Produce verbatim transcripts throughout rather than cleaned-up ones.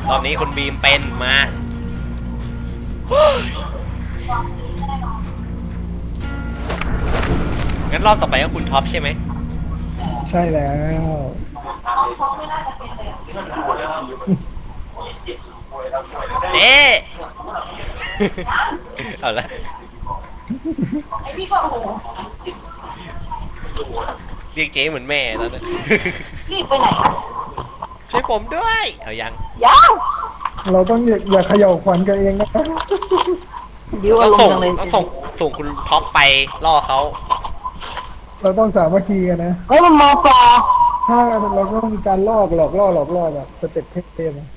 รอบนี้คุณบีมเป็นมางั้นรอบต่อไปก็คุณท็อปใช่ไหมใช่แล้วเจ๊เอาละเรียกเจ๊เหมือนแม่แล้วนะรีบไปไหนอ่ะช่วยผมด้วยเอายังยังเราต้องอย่าอย่าเขย่าขวัญกันเองนะดิวอาต้องรมส่งณ์จังเลยต้องส่งส่งคุณท็อปไปล่อเขาเราต้องสามัคคีกันนะเฮ้ยมันมอปอถ้าเราก็ต้องมีการลอกหลอกล่อหลอกล่อแบบสเต็ปเทพๆนะ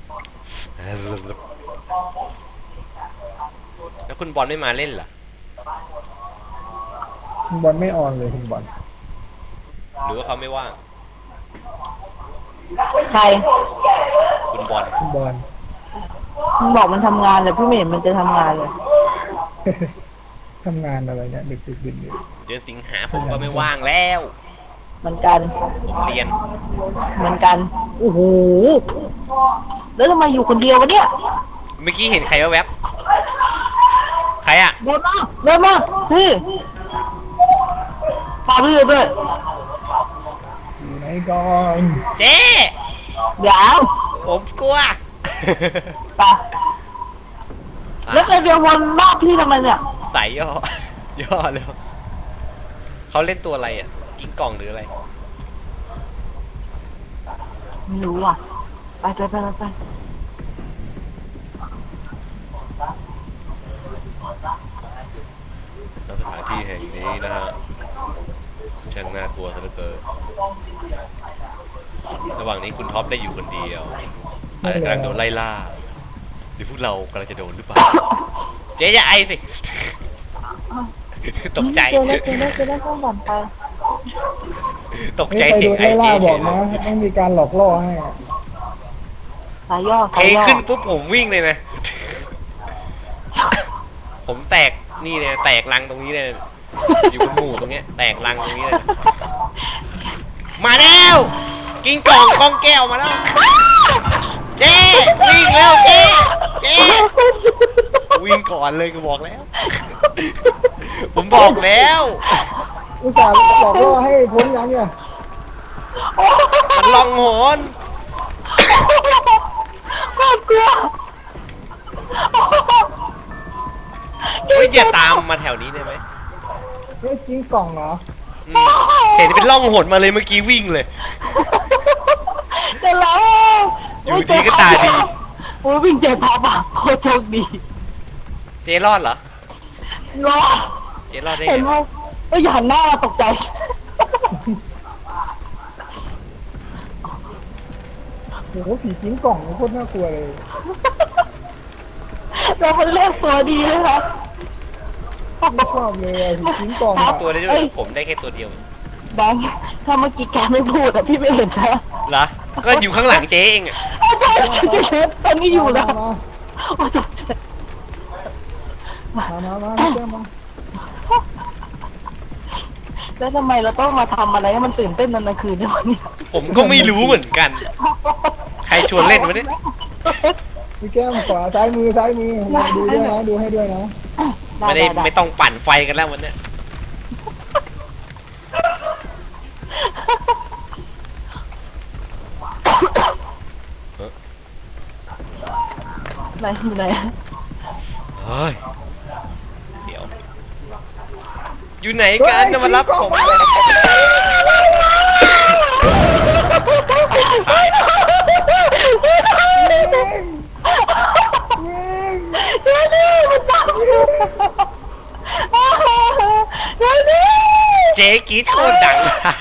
แล้วคุณบอลไม่มาเล่นเหรอคุณบอลไม่ออนเลยคุณบอลหรือว่าเขาไม่ว่างใครคุณบอลคุณบอลมันบอกมันทำงานเลยพี่ไม่เห็นมันจะทำงานเลยทำงานอะไรเนี่ยดึกดึกดื่นดื่นเดือนสิงหาผมก็ไม่ว่างแล้วเหมือนกันผมเรียนเหมือนกันโอ้โหแล้วทำไมอยู่คนเดียววะเนี่ยเมื่อกี้เห็นใครแวบๆใครอะเดินมาเดินมาพี่พาพี่ด้วยอยู่ไหนก่อนเจ๊เดี๋ยวผมกลัวไปแล้วไปเดียววนรอบพี่ทำไมเนี่ยใส่ย่อ ย่อเลยเขาเล่นตัวอะไรอ่ะกิ้งกล่องหรืออะไรไม่รู้อ่ะไปไปไปไปสถานที่แห่งนี้นะฮะช่างน่ากลัวซะเหลือเกินระหว่างนี้คุณท็อปได้อยู่คนเดียวอาจจะกำลังโดนไล่ล่าหรือพวกเรากำลังจะโดนหรือเปล่าเจ๊อย่าไอสิตกใจเจอแล้วเจอแล้วเจอแล้วต้องบ่นไปตกใจไม่ไปเสีดูยงไอไล่ล่าเจ๊บอกนะต้องมีการหลอกล่อให้สายย่อเพสาลยงย่อขึ้นปุ๊บผมวิ่งเลยนะผมแตกนี่เนี่ยแตกรังตรงนี้เลยอยู่บนหมู่ตรงเนี้ยแตกรังตรงนี้เลยมาแล้วกิ้งกล่องกล้องแก้วมาแล้วเจ๊วิ่งแล้วเจ๊เจ๊วิ่งก่อนเลยก็บอกแล้ว ผมบอกแล้วอุตส่าห์หลอกล่อให้พ้นยังเนี่ยมันลองโหนโคตรกลัวเฮ้ยอย่าตามมาแถวนี้ได้ไหมเฮ้ยกิ้งกล่องเหรออืมเห็นเป็นล่องหนมาเลยเมื่อกี้วิ่งเลยเดี๋ยวแล้วอยู่ดีก็ตาดีโอ้ยวิ่งเจ็บพับอ่ะโคตรโชคดีเจ๊รอดเหรอรอดเจ๊รอดได้เห็นไงไหมก็อย่าหันหน้ามาตกใจโอ้โหผีกิ้งกล่องโคตรน่ากลัวเลยเราเป็นเลขตัวดีเลยครับไม่ชอบเลยอะผีกิ้งกล่องอะตัวได้ด้วยผมได้แค่ตัวเดียวแบงค์ถ้าเมื่อกี้แกไม่พูดอะพี่ไม่เห็นนะเหรอ ก็อยู่ข้างหลังเจ๊เองอะอาจารย์จะเช็ดตอนนี้อยู่แล้วมาโอ้ยตกใจมามามามาเจ้ามาแล้วทำไมเราต้องมาทำอะไรให้มันตื่นเต้นตอนกลางคืนด้วยวะเนี่ยผมก็ไม่รู้เหมือนกัน ใครชวนเล่นวะเนี่ยพี่แก้มขวาซ้ายมือซ้ายมือมาดูด้วยนะดูให้ด้วยนะไม่ได้ไม่ต้องปั่นไฟกันแล้ววันเนี้ยไหนอยู่ไหนเฮ้ย เดี๋ยว อยู่ไหนกันจะมารับผมเดี๋ยวนี่มันตามอยู่เดี๋ยวนี่เจ๊กรีดโคตรดัง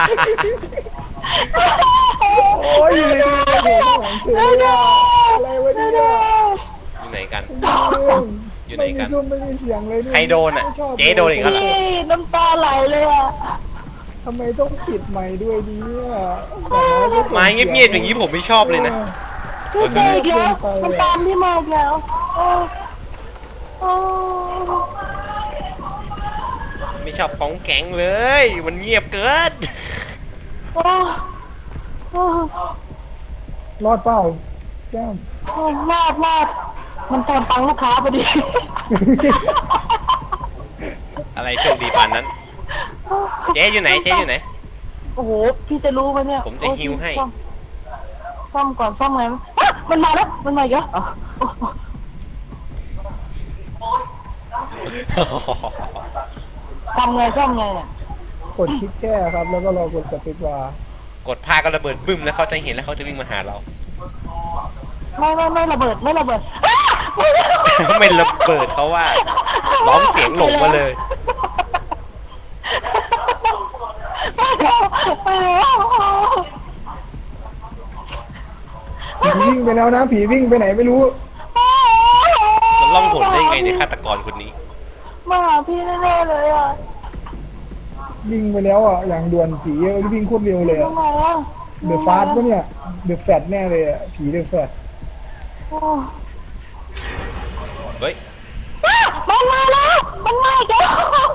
โอ้ยอยู่ในหัวของเธออะไรวะเนี่ยอยู่ไหนกัน อยู่ไหนไม่กัมีนซุ้มไม่มีเสียงเลยใครโดนอะเจ๊โดนอีกแล้วเหรอนี่น้ำตาไหลเลยอ่ะทำไมต้องปิดไมค์ด้วยดีเนี่ยไม้เงียบๆอย่างนี้ผมไม่ชอบเลยนะพี่เจอีกแล้วมันตามพี่มาอีกแล้วโอ้โอ้ไม่ชอบของแข็งเลย มันเงียบเกินโอ้โอ้รอดเปล่าแก้มโอ้รอดรอดมันตอนตังลูกค้าพอดีอะไรโชคดีปานนั้น เจ๊อยู่ไหนเจ๊อยู่ไหนโอ้โหพี่จะรู้ไหมเนี่ยผมจะฮิวให้ซ่อมซ่อมก่อนซ่อมไงอ่ะมันมาแล้วมันมาอีกแล้วอ๋อทำไงซ่อมไงเนี่ยกดคลิกแก้ครับ แล้วก็รอกดสปิดวาร์กดผ้าก็ระเบิดบึ้มแล้วเขาจะเห็นแล้วเขาจะวิ่งมาหาเราไม่ไม่ไม่ระเบิดไม่ระเบิดไม่ระเบิดเขาว่าร้องเสียงหลงมาเลยไปแล้วผีวิ่งไปแล้วนะผีวิ่งไปไหนไม่รู้มันล่องหนได้ยังไงในยฆาตกรคนนี้มาหาพี่แน่ๆเลยอ่ะวิ่งไปแล้วอ่ะอย่างด่วนผีวิ่งโคตรเร็วเลยทำไมอ่ะเดอะฟาสต์ปะเนี่ยเดอะแฟตแน่เลยอ่ะผีเดอะแฟตโอ้เฮ้ยมันมาแล้วมันมาอีกแล้ว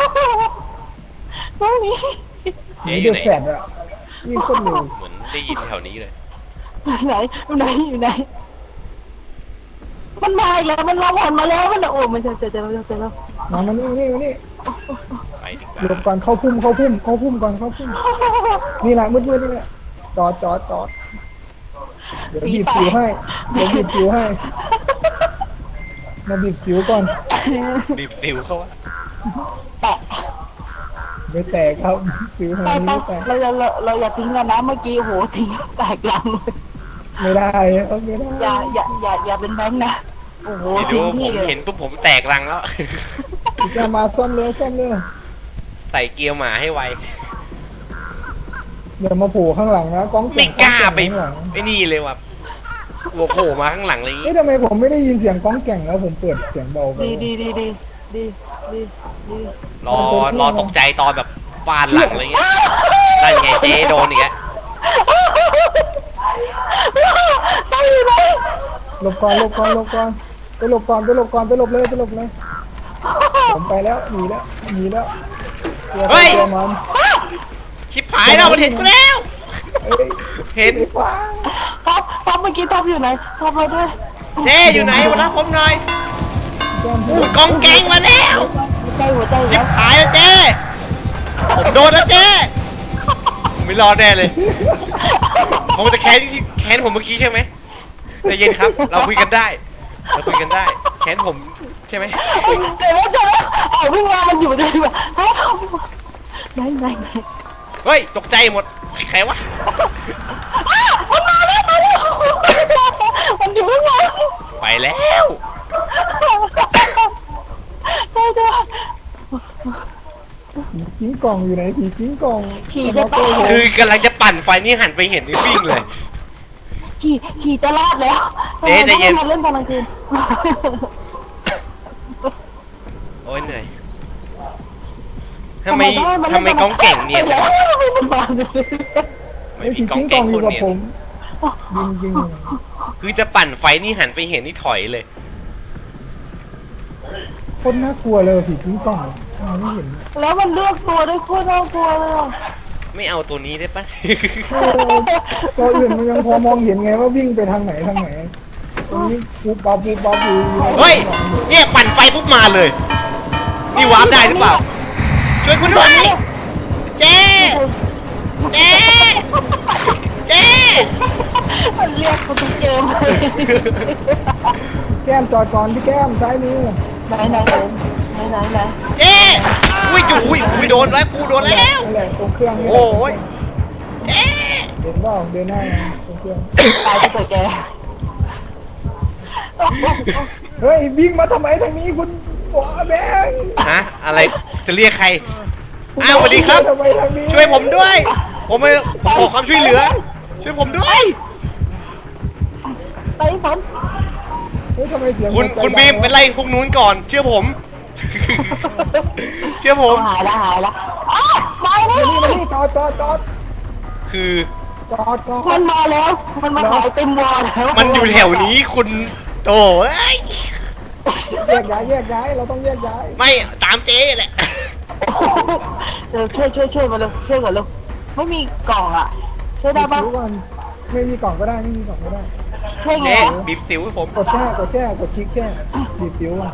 ไม่มีผีเจ๊อเดยู่อะไหนแฟตอ่ะวิ่งโคตรเร็วเหมือนได้ยินแถวนี้เลยไหนอยู่ไหนอยู่ไหนมันมาอีกแล้วมันร้องหอนมาแล้วมันโอ้มันจะเจอเจอแล้วเจอแล้วมามานี่นี่มานี่ไปดีกหลบว่าก่อนเข้าพุ่มเข้าพุ่มเข้าพุ่มก่อนเข้าพุ่มนี่แหละมืดๆนี่แหละจอดจอดจอดเดี๋ยวบีบสิวให้เดี๋ยวบีบสิวให้มาบีบสิวก่อนบีบติวเขาว่าแตะไม่แตกครับสิวหาไปยไปไม่แตกเราเราเราอย่าทิ้งกันนะเมื่อกี้โหทิ้งแตกลังเลยไม่ได้เอาไม่ได้อย่าอย่าอย่าอย่าเป็นแบงค์นะโอ้โหไม่รู้ทิ้งผที่มเลยเห็นปุ๊บผมแตกรังแล้วแกมาซ่อมเลยซ่อมเลยใส่เกียร์หมาให้ไวอย่ามาโผล่ข้างหลังนะกล้องไม่กล้าไปข้างหลังไอ้นี่เลยว่ะหัวโผล่มาข้างหลังเลยเอ๊ะทำไมผมไม่ได้ยินเสียงก้องแก่งแล้วผมเปิดเสียงเบาไปดีดีดีดีดีดีดีรอรอตกใจตอนแบบฟาดหลังอะไรเงี้ยนั่นไงเจ๊โดนอีกแล้วตั้งอยู่ไหนหลบก่อนหลบก่อนหลบก่อนไปหลบก่อนไปหลบก่อนไปหลบเลยไปหลบเลยผมไปแล้วหนีแล้วหนีแล้วตัวใครตัวมันชิบหายแล้วมันเห็นกูแล้วเอ้ยเห็นไอ้ฟ้าท็อปท็อปเมื่อกี้ท็อปอยู่ไหนท็อปมาด้วยเจ๊อยู่ไหนมารับผมหน่อยแก้มโอ้ยกองแกงมาแล้วหัวใจหัวใจชิแล้บวหายแล้วเจ๊ผมโดนแล้วเจ๊ไม่รอดแน่เลยผมจะแค้นที่แค้นผมเมื่อกี้ใช่ไหมใจเย็นครับ เราคุยกันได้ เราคุยกันได้ แค้นผมใช่ไหมเดี๋ยวเดี๋ยวเอาวิ่งมามันอยู่ได้ด้วยไหนไหนไหนเฮ้ยตกใจหมดใครวะมันมาแล้วมาแล้วมันอยู่ข้างหลังไปแล้วได้ด้วยผีกิ้งกล่องอยู่ไหนผีกิ้งกล่องขี่จะตายคือกำลังจะปั่นไฟนี่หันไปเห็นนี่วิ่งเลยฉี่ฉี่จะรอดแล้วเจ๊ใจเย็นมาเล่นตอนกลางคืนโอ้ยเหนื่อยทำไมทำไมกองเก่งเนี่ยไปแล้วมันมาเลยไม่ไอ้มีผีกองกิ้งกเก่ล่อง งอคยู่นกับเนี่ยผมยิงยิงคือจะปั่นไฟนี่หันไปเห็นนี่ถอยเลยคนน่ากลัวเลยผีกิ้งกล่องมองไม่เห็นแล้วมันเลือกตัวได้โคตรน่ากลัวเลยอ่ะไม่เอาตัวนี้ได้ปะเออตัวอื่นมันยังพอมองเห็นไงว่าวิ่งไปทางไหนทางไหนตรงนี้ปูปลาปูปลาปูเฮ้ยเนี่ยปั่นไฟปุ๊บมาเลย นี่วาร์ปได้หรือเปล่าช่วยคุณด้วยเจ๊เจ๊เจ๊มันเรียกกูทุกเกมเลยแก้มจอดก่อนพี่แก้มซ้ายมือไหนไหนไหนไหนไหนเจ๊อุ้ยจุอุ้ยอุ้ยโดนแล้วกูโดนแล้วนั่นแหละตรงเครื่องนี่โอ้ยเจ๊เดินว่าเดินหน้าตรงเครื่องตายไปเถอะแกเฮ้ยวิ่งมาทำไมทางนี้คุณบัวแบงค์ฮะอะไรจะเรียกใครอ้าวสวัสดีครับทำไมทางนี้ช่วยผมด้วย ผมไม่ผมขอความช่วยเหลือ ช่วยผมด้วยไปฝนเฮ้ยทำไมเสียงคุณหัวใจคุณบีมดังวะไปไล่พวกนู้นก่อน เชื่อผม เชื่อผมหายละหายละอ้าวมาแล้มาว นี่มานี่จอดจอดจอดคือจอดจอดมันมาแล้ว มันมาหายเต็มวอลแล้วมันอยู่แถวนี้คุณโอ้ยแยกย้ายแยกย้ายเราต้องแยกย้ายไม่ตามเจ๊แหละเดี๋ยวช่วยช่วยช่วยมาเร็วช่วยก่อนเร็วไม่มีกล่องอ่ะช่วยได้ปะรู้ก่อนไม่มีกล่องก็ได้ไม่มีกล่องก็ได้ช่ไงเจ๊วะบีบสิวให้ผมกดแช่กดแช่กดคลิกแช่บีบสิวอ่ะ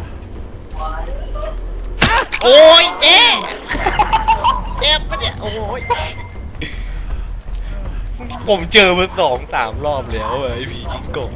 โอ้ยเจ๊เจ็บปะเนี่ยโอ้ยผมเจอมาสองสามรอบแล้วอะไอ้ผีกิงกง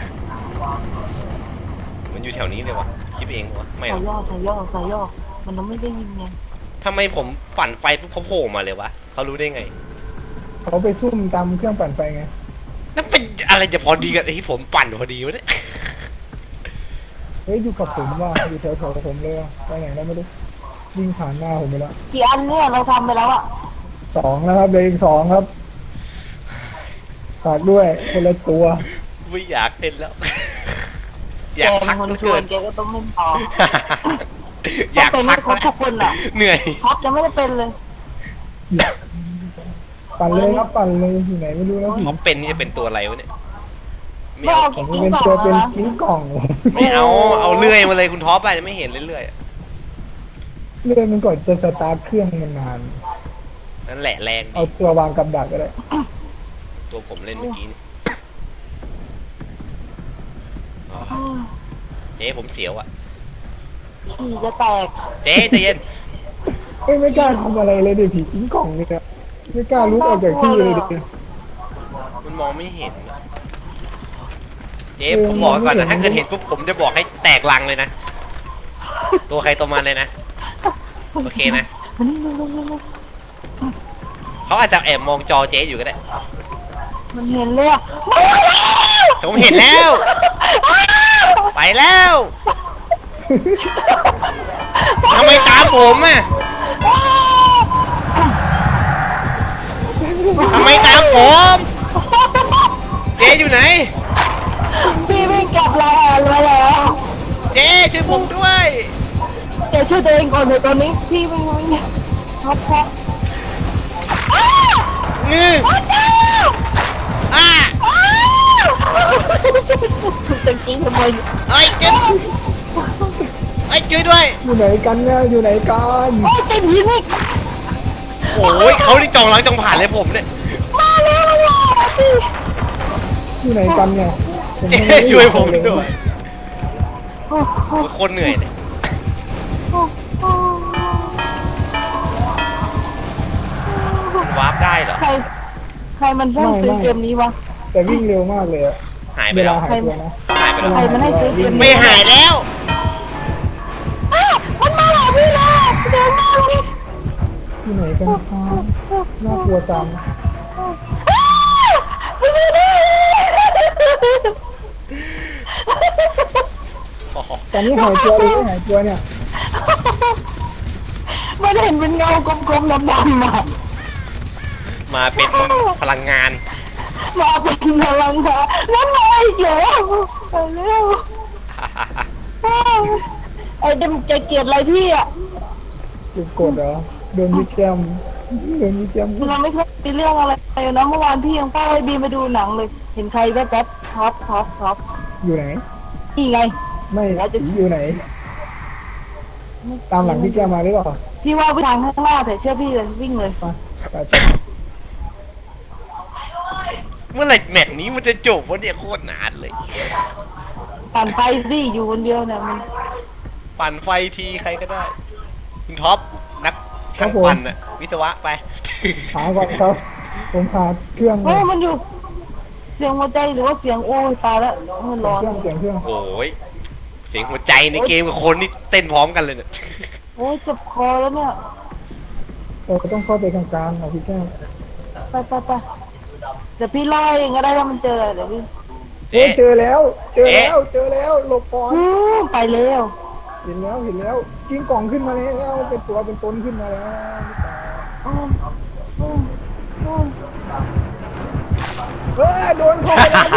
มันอยู่แถวนี้เลยวะคิดเองวะไม่หรใส่อกย่อใส่ย่อใส่ย่อมันต้องไม่ได้ยินไงทำไมผมปั่นไฟปุ๊บเขาโผล่มาเลยวะเขารู้ได้ไงเขาไปซุ่มตามเครื่องปั่นไฟไงนั่นเป็นอะไรจะพอดีกับไอ้ที่ผมปั่นพอดีวะเนี่ยเฮ้ยอยู่กับผมว่ะอยู่แถวๆผมเลยว่ะไปไหนแล้วไม่รู้วิ่งผ่านหน้าผมไปแล้วกี่อันเนี่ยเราทำไปแล้วอะสองแล้วครับเหลยอีกสองครับฝากด้วยคนละตัวไม่อยากเล่นแล้ว อแกยากเป็พันกคนเหลือชวเกินนแกก็ต้องเล่นต่ออยากต้องเป็นพักครบทุกคนอะเหนื่อยท็อปยังไม่ได้เป็นเลยปั่นเลยครับปั่นเลยอยู่ไหนไม่รู้แล้วท็อปเป็นนี่จะเป็นตัวอะไรวะเนี่ยไม่ไม่เอาเอาผมกิ๊กเป็นต่ตัวอเป็นนะกิ้งกล่องไม่เอาเอาเลื่อยมาเลยคุณท็อปอาจจะไม่เห็นเรื่อยๆอะเลื่อนมันก่อนจะสตาร์ทเครื่องมันนานนั่นแหละแรงเอาดีตัววางกับดักก็ได้ตัวผมเล่นเมื่อกี้นี่อ๋อเจ๊ผมเสียวอ่ะขี่จะแตกเจ๊ใจเย็นเอ้ยไม่กล้าทำอะไรเลยดิผีกิ้งกล่องนี่ครับไม่กล้าลุกออกจากที่เลยดิมันมองไม่เห็นอะเจ๊ผมบอกไว้ก่อนนะถ้าเกิดเห็นปุ๊บผมจะบอกให้แตกลังเลยนะ ตัวใครตัวมันเลยนะ โอเคนะมันนี่มันนี่มันเขาอาจจะแอบมองจอเจ๊อยู่ก็ได้มันเห็นเลยอะผมเห็นแล้ว ไปแล้วทำไมตามผมอ่ะทำไมตามผม เจ๊อยู่ไหนพี่วิ่งกลับลายแอนมาแล้วเจ๊ช่วยผมด้วยแกช่วยตัวเองก่อนเลยตอนนี้พี่วิ่งวิ่งท็อปท็อปงืออ่าถูกตะกี้ทำไมเอ้ยเจ๊เอ้ยช่วยด้วยอยู่ไหนกันเนี่ยอยู่ไหนกันโอ้ยเต็มหินอีกโอ้ยเขาที่จองหลังจองผ่านเลยผมเนี่ยมาแล้วมาแล้วพี่อยู่ไหนกันเนี่ยผมเจ๊ยังไม่ได้ช่วยผมเลยด้วยโอ้โหโคตรเหนื่อยเลยโอ้โหวาร์ปได้เหรอใครใครมันสร้างซื้อเกมนี้วะแต่วิ่งเร็วมากเลยอะหายไปเวแล้ลาว หายตัวนะหายไปแล้วใครมันให้ซื้อเกมไม่นี้หายแล้วอ้าวมันมาหาพี่แล้วเดินมาเลยอยู่ไหนกันครับน่ากลัวจังไม่ได้ดิตอนนี้หายตัวหรือไม่หายตัวเนี่ยมันเห็นเป็นเงากลมๆดำๆมามาเป็นพลังงานมาเป็นพลังงานแล้วมาอีกแล้วไปเร็วไอ้เดมจะเกลียดอะไรพี่อ่ะจุดกดเหรอโดนยิงแก้มโดนยิงแก้มเราไม่เคยมีเรื่องอะไรเลยนะเมื่อวานพี่ยังป้าไอ้บีมาดูหนังเลย เห็นใครแป๊บๆท็อปท็อปท็อปอยู่ไหนนี่ไงไม่ผีอยู่ไหน ตามหลังพี่แก้มมาหรือเปล่าพี่ว่าไปทางข้างหน้าแต่เชื่อพี่เลยวิ่งเลยไปไปไปเมื่อไหร่แมตช์นี้มันจะจบวะเนี่ยโคตรนานเลยปั่นไปสิอยู่คนเดียวเนี่ยมันปั่นไฟทีใครก็ได้ คุณท็อปนักช่างปั่นอะวิศวะไปหาก่อนครับ ผมหาเครื่องเฮ้ยมันอยู่ เสียงหัวใจหรือว่าเสียงโอ้ยตายแล้วมันร้อนเครื่องเสียงเครื่องโอ้ยเสียงหัวใจในเกมกับคนนี่เต้นพร้อมกันเลยเนี่ยโอ้ยเจ็บคอแล้วเนี่ยเราต้องเข้าไปกลางๆนะพี่แก้มไปไปไปเดี๋ยวพี่ไล่เองก็ได้ถ้ามันเจอเดี๋ยวพี่เฮ้ยเจอแล้ว เจอแล้วเจอแล้วหลบก่อนอืมไปเร็วเห็นแล้วเห็นแล้วกิ้งกล่องขึ้นมาแล้วเป็นตัวเป็นตนขึ้นมาแล้วอืมอืมอืมเฮ้ยโดนเข้าไปแล้วผม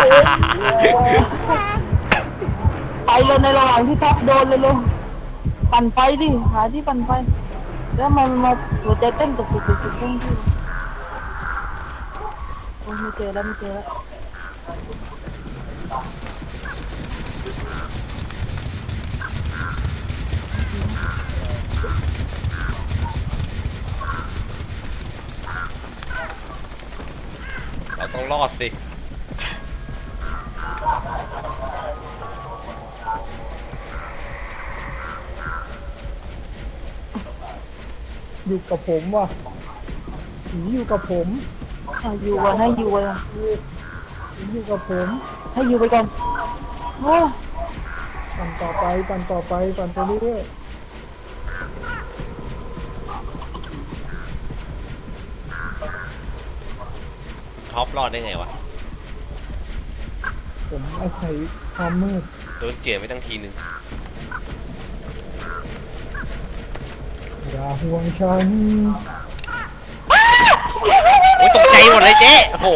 ไปเลยในระหว่างที่ทับโดนเลยลงปั่นไฟดิหาที่ปั่นไฟแล้วมันมาหัวใจเต้นตุกตุกตุกตุกตุกที่โอ้ยไม่เจอแล้วไม่เจอแล้วเราต้องรอดสิอยู่กับผมว่ะผีอยู่กับผมอ่ะอยู่ก่อนให้อยู่ก่อนผีอยู่กับผมให้อยู่ไปก่อนโอ้ยปั่นต่อไปปั่นต่อไปปั่นไปเรื่อยท็อปรอดได้ไงวะๆผมอาศัยความมืดโดนเจียไปตั้งทีนึงอย่าห่วงฉันโอ้ยตกใจหมดเลยเจ๊โอ้โห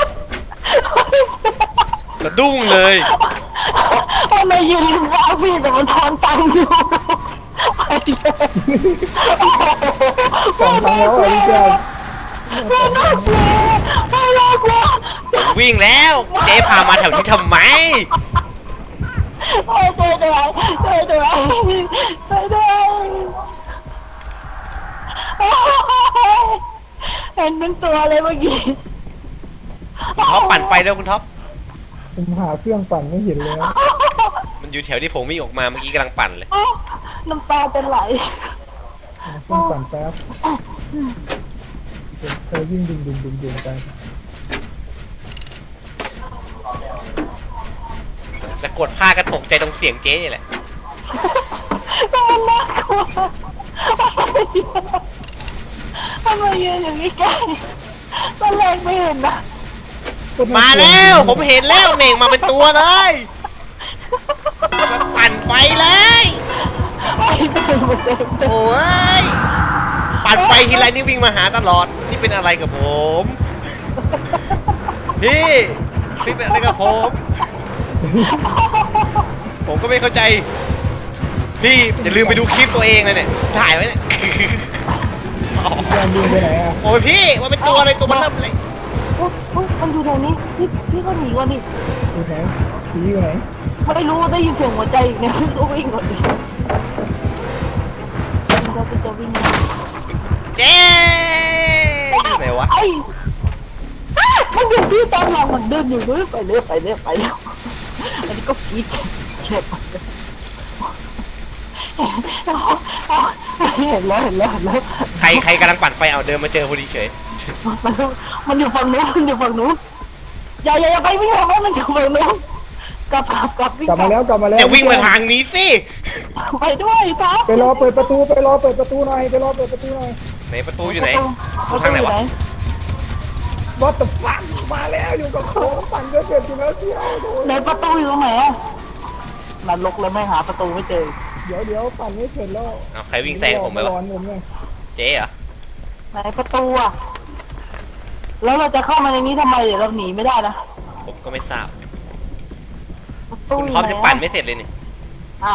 สะดุ้งเลยทำไมยืนข้างพี่แต่มันทอนตังค์อยู่ไปเลยสองครั้งแล้วอ่ะพี่แจ๊คไม่น่ากลัวไม่น่ากลัววิ่งแล้ว เจ๊พามาแถวนี้ทำไมโอ้ยช่วยด้วยช่วยด้วยช่วยด้วยเห็นเป็นตัวเลยเมื่อกี้คุณท็อปปั่นไฟแล้วคุณท็อปผมหาเครื่องปั่นไม่เห็นเลยมันอยู่แถวที่ผมวิ่งออกมาเมื่อกี้กำลังปั่นเลยน้ำตาจะไหลหาเครื่องปั่นแป๊บเธอยิ่งดึงดึงดึงดึงไปแต่กดผ้าก็ตกใจตรงเสียงเจ๊นี่แหละมันน่ากลัวทำไมยืนอย่างนี้ใกล้ตอนแรกไม่เห็นนะมาแล้วผมเห็นแล้วเน่งมาเป็นตัวเลยมันปั่นไฟเลยไอ้เดินมาเดินโอ้ยปั่นไฟทีไรนี่วิ่งมาหาตลอดนี่เป็นอะไรกับผมพี่พี่เป็นอะไรกับผมผมก็ไม่เข้าใจพี่อย่าลืมไปดูคลิปตัวเองเลยเนี่ยถ่ายไว้เนี่ยแจ๊คดึงไปไหนอ่ะโอ้ยพี่มันเป็นตัวอะไรตัวมันเริ่มเลยอุ๊ยอุ๊ยมันอยู่ตรงนี้พี่พี่ก็หนีก่อนดิอยู่ไหนผีอยู่ไหนไม่รู้ได้ยินเสียงหัวใจอีกเนี่ยก็วิ่งก่อนดิมันก็จะวิ่งเจ๊อยู่ไหนวะไอ้อ้ามันอยู่ที่ตอนหลังมันเดินอยู่ด้วยไปเรื่อยไปเรื่อยไปเรื่อยอันนี้ก็กรี๊ดเจ็บเห็นแล้วเห็นแล้วเห็นแล้วใครใครกำลังปั่นไฟเอาเดินมาเจอพอดีเฉยมันมันอยู่ฝั่งนู้นมันอยู่ฝั่งนู้นอย่าอย่าอย่าไปวิ่งออกมามันอยู่ฝั่งนู้นกลับกลับกลับวิ่งกลับมาแล้วกลับมาแล้วจะวิ่งมาทางนี้สิไปด้วยครับไปรอเปิดประตูไปรอเปิดประตูหน่อยไปรอเปิดประตูหน่อยไหนประตูอยู่ไหนประทางไหนวะ What the fuck มาแล้วอยู่กับผมปั่นก็เสร็จอยู่แล้วเที่ยวโดนไหนประตูอยู่ตรงไหนอะนรกเลยไม่หาประตูไม่เจอเดี๋ยวเดี๋ยวปั่นไม่เสร็จแล้วเอาใครวิ่งแซงผมไปวะร้อนผมไงเจ๊เหรอไหนประตูอะแล้วเราจะเข้ามาในนี้ทำไมเดี๋ยวเราหนีไม่ได้นะผมก็ไม่ทราบประตูคุณยู่ท็อปไหจะปั่นไม่เสร็จเลยนี่อ้าว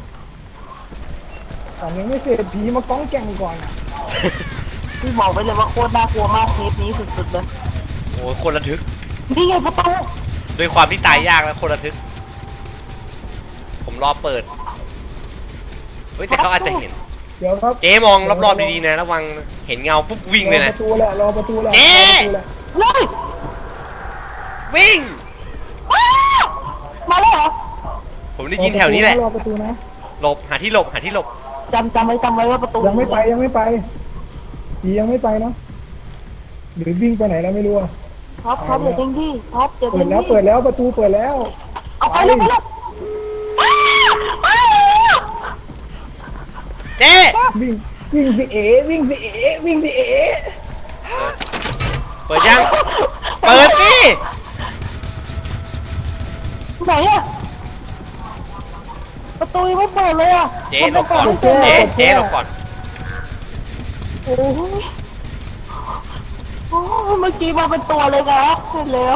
ปั่นยังไม่เสร็จผีมาก้องแก่งก่อนอะพี่บอกไปเลยว่าโคตรน่ากลัวมากเทปนี้สุดๆเลยโอ้ยคนระทึกนี่ไงประตูด้วยความที่ตายยากแล้วคนระทึก ผมรอเปิด เฮ้ยแต่เขาอาจจะเห็นเดี๋ยวครับเจ๊มองรอบๆดีๆนะระวังเห็นเงาปุ๊บวิ่งเลยรอนะประตูแหละรอประตูแหละเจ๊รอประตูแหละเฮ้ยวิ่งอ้าวมาแล้วเหรอผมได้ยินแถวนี้แหละรอประตูนะหลบหาที่หลบหาที่หลบจำจำไว้จำไว้ว่าประตูยังไม่ไปยังไม่ไปผียังไม่ไปเนาะหรือวิ่งไปไหนแล้วไม่รู้อะท็อปท็อปอย่าทิ้งที่ท็อปอย่าเปิทิ้ดงแล้วที่เปิดแล้วประตูเปิดแล้วเอาไปเลยไปเลยอ้าวอ้าวเจ๊วิ่งวิ่งสิเอวิ่งสิเอวิ่งสิเอเปิดยัง เปิดสิไหนอะประตูยังไม่เปิดเลยอะเจ๊หลบก่อนมัเจ๊จะปิดเจ๊หลบก่อนโอ้ยโอ้ยเมื่อกี้มาเป็นตัวเลยครับเห็นแล้ว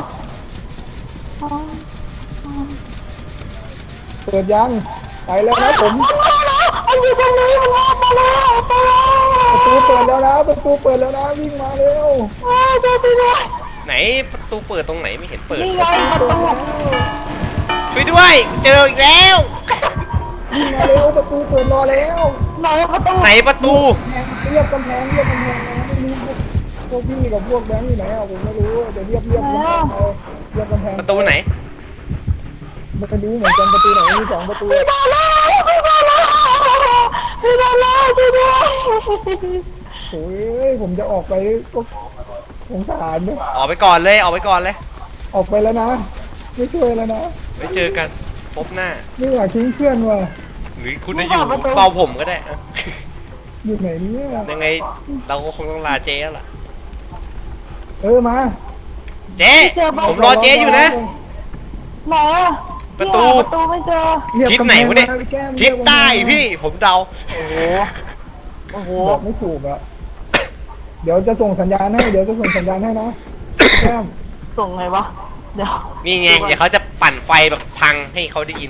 เปิดยังไปแล้วนะผมมันมาแล้วมันอยู่ตรงนี้มันมามาแล้วมาแล้วประตูเปิดแล้วนะประตูเปิดแล้วนะวิ่งมาเร็วอ้าวเจอไปเลยไหนประตูเปิดตรงไหนไม่เห็นเปิดนี่ไงประตูช่วยด้วย เจออีกแล้ววิ่งมาเร็วประตูเปิดรอแล้วไหนประตูไหนประตูเรียบกำแพงเรียบกำแพงนะไม่รู้พวกพี่กับพวกแบงค์อยู่ไหนอ่ะผมไม่รู้เดี๋ยวเรียบเรียบกำแพงเอาเรียบกำแพงประตูไหนไม่รู้เหมือนกันประตูไหนมีสองประตูพี่มาแล้วพี่มาแล้วพี่มาแล้วช่วยด้วยโอ้ยผมจะออกไปก็สงสารเนี่ยออกไปก่อนเลยออกไปก่อนเลยออกไปแล้วนะไม่ช่วยแล้วนะไว้เจอกันพบหน้าไม่อยากทิ้งเพื่อนว่ะหรือคุณจะอยู่เฝ้าผมก็ได้อะอยู่ไหนเนี่ยยังไงเราก็คงต้องลาเจ๊แล้วล่ะเออมาเจ๊ผมรอเจ๊อยู่นะไหนอะประตูเนี่ยประตูไม่เจอเรียบทิศกำแพงไหนวะเนี่ยมาพี่แก้มทิศใต้พี่ผมเดาโอ้โหโอ้โหบอกไม่ถูกอะเดี๋ยวจะส่งสัญญาณให้เดี๋ยวจะส่งสัญญาณให้นะพี่แก้มส่งไงวะเดี๋ยวนี่ไงเดี๋ยวเขาจะปั่นไฟแบบพังให้เขาได้ยิน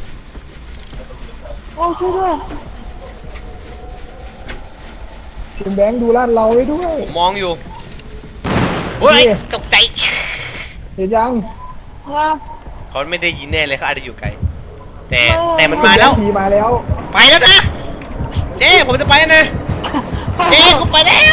โอ้ช่วยด้วยคุณแบงค์ดูลาดเราไว้ด้วยผมมองอยู่เฮ้ยนี่ตกใจเห็นยังว่าเขาไม่ได้ยินแน่เลยเขาอาจจะอยู่ไกลแต่แต่มันมาแล้วผีมาแล้วไปแล้วนะเจ๊ผมจะไปแล้วนะเจ๊ผมไปแล้ว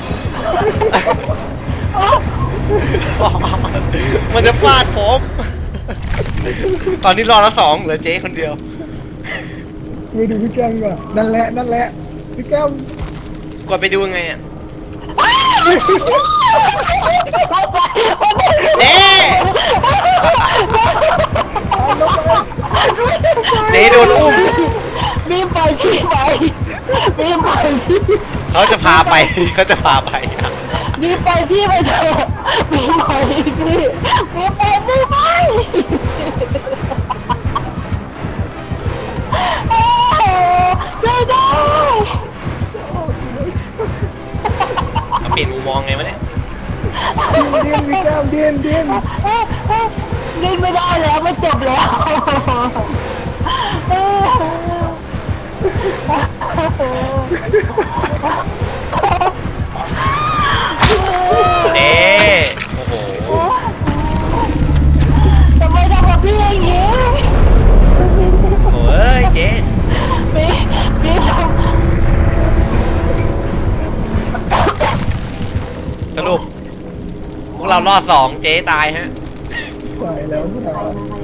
มันจะฟาดผม ตอนนี้รอแล้วสองเหลือเจ๊คนเดียวไปดูพี่แก้มก่อนนั่นแหละนั่นแหละพี่แก้มกดไปดูยังไงอ่ะเจ๊เจ๊โดนอุ้มมีไปที่ไปมีไปที่เขาจะพาไป เขาจะพาไปมีไปที่ไปเถอะมีไปที่มีไปมีไปโอ้โหช่วยด้วยเขาเปลี่ยนมุมมองไงวะเนี่ยดินพี่แก้มดินดินเล่นไม่ได้แล้วไม่จบแล้วเจ๊โอ้โหทำไมทำกับพี่อย่างนี้โอ้ยเจ๊พี่พี่ทสรุปพวกเรารอดสองเจ๊ตายฮะใส่แล้วพี่แก้มำ